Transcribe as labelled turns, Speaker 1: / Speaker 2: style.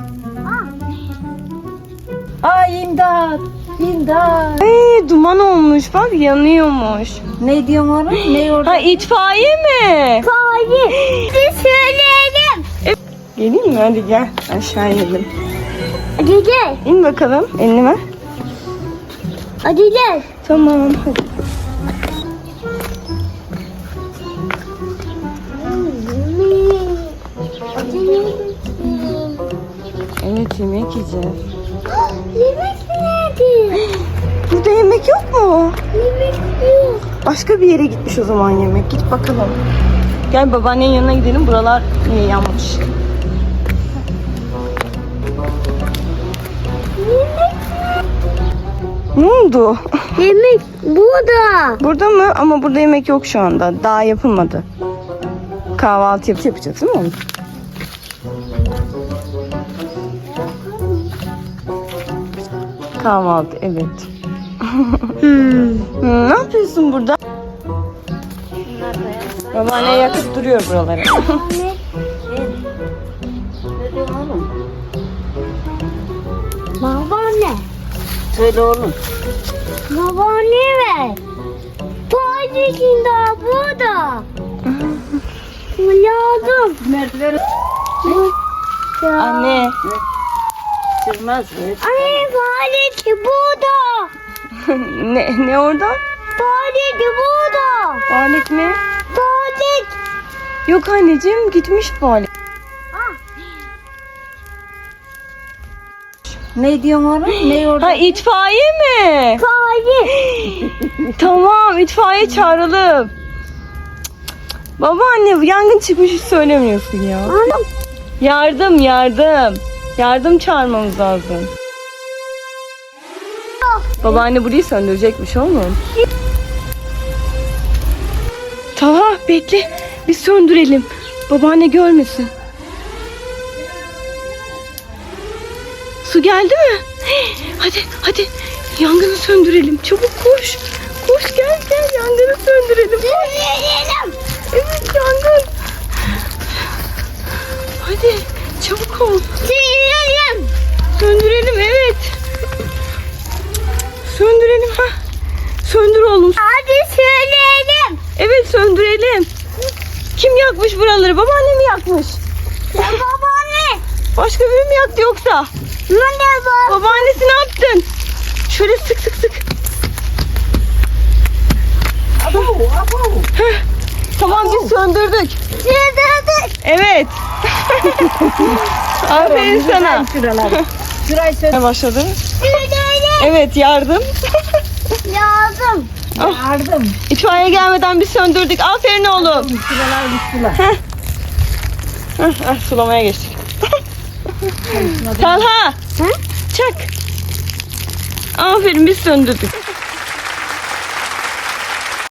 Speaker 1: Ay imdat. İmdat.
Speaker 2: Duman olmuş bak, yanıyormuş.
Speaker 1: Ne diyorsun orada? Ne orada?
Speaker 2: Ha, itfaiye mi?
Speaker 3: Hadi. Biz söyleyelim.
Speaker 2: Geleyim mi? Hadi gel. Aşağı inelim.
Speaker 3: Hadi gel.
Speaker 2: İn bakalım. Elini ver.
Speaker 3: Hadi gel.
Speaker 2: Tamam hadi. Evet, yemek yiyeceğiz.
Speaker 3: Yemek nerede?
Speaker 2: Burada yemek yok mu?
Speaker 3: Yemek yok.
Speaker 2: Başka bir yere gitmiş o zaman yemek. Git bakalım. Gel babaannenin yanına gidelim. Buralar niye yanmış? Ne oldu?
Speaker 3: Yemek burada.
Speaker 2: Burada mı? Ama burada yemek yok şu anda. Daha yapılmadı. Kahvaltı yapacağız değil mi oğlum? Kahvaltı, evet. Ne yapıyorsun burada? Babaanne yakıp duruyor buraları.
Speaker 1: Ne diyorsun oğlum?
Speaker 3: Babaanne.
Speaker 1: Söyle oğlum.
Speaker 3: Babaanne ver. Padişin daha burada. Lazım.
Speaker 1: Merdiven
Speaker 2: Anne.
Speaker 1: sürmez mi?
Speaker 3: Anne padişi burada.
Speaker 2: ne orada?
Speaker 3: Padişi burada.
Speaker 2: Balet mi?
Speaker 3: Padişi.
Speaker 2: Yok anneciğim, gitmiş balet.
Speaker 1: Ne diyorsun orada? Ne orada?
Speaker 2: Ha, itfaiye mi?
Speaker 3: Padişi.
Speaker 2: Tamam, itfaiye çağıralım. Babaanne, yangın çıkmış, hiç söylemiyorsun ya.
Speaker 3: Anam.
Speaker 2: Yardım. Yardım çağırmamız lazım. Babaanne burayı söndürecekmiş oğlum. Tamam, bekle. Biz söndürelim. Babaanne görmesin. Su geldi mi? Hadi. Yangını söndürelim. Çabuk koş. Koş, gel. Yangını söndürelim.
Speaker 3: Söyleyelim.
Speaker 2: Evet, yangın. Hadi çabuk ol.
Speaker 3: Söyleyelim.
Speaker 2: Söndürelim, evet. Söndürelim ha. Söndür oğlum.
Speaker 3: Hadi söyleyelim.
Speaker 2: Evet, söndürelim. Kim yakmış buraları? Babaanne mi yakmış?
Speaker 3: Babaanne.
Speaker 2: Başka biri mi yaktı yoksa?
Speaker 3: Ne var?
Speaker 2: Babaannesi ne yaptın? Şöyle sık. Heh, tamam, biz söndürdük.
Speaker 3: Söyledik.
Speaker 2: Evet. Aferin sana.
Speaker 1: Şurayı söyle.
Speaker 2: Ne başladı?
Speaker 3: Söyleyelim.
Speaker 2: Evet, yardım.
Speaker 3: Lazım.
Speaker 1: Yardım.
Speaker 2: İtfaiye gelmeden biz söndürdük. Aferin oğlum.
Speaker 1: Şuralar bittiler.
Speaker 2: Sulamaya geçtik. Talha. Çak. Aferin, biz söndürdük.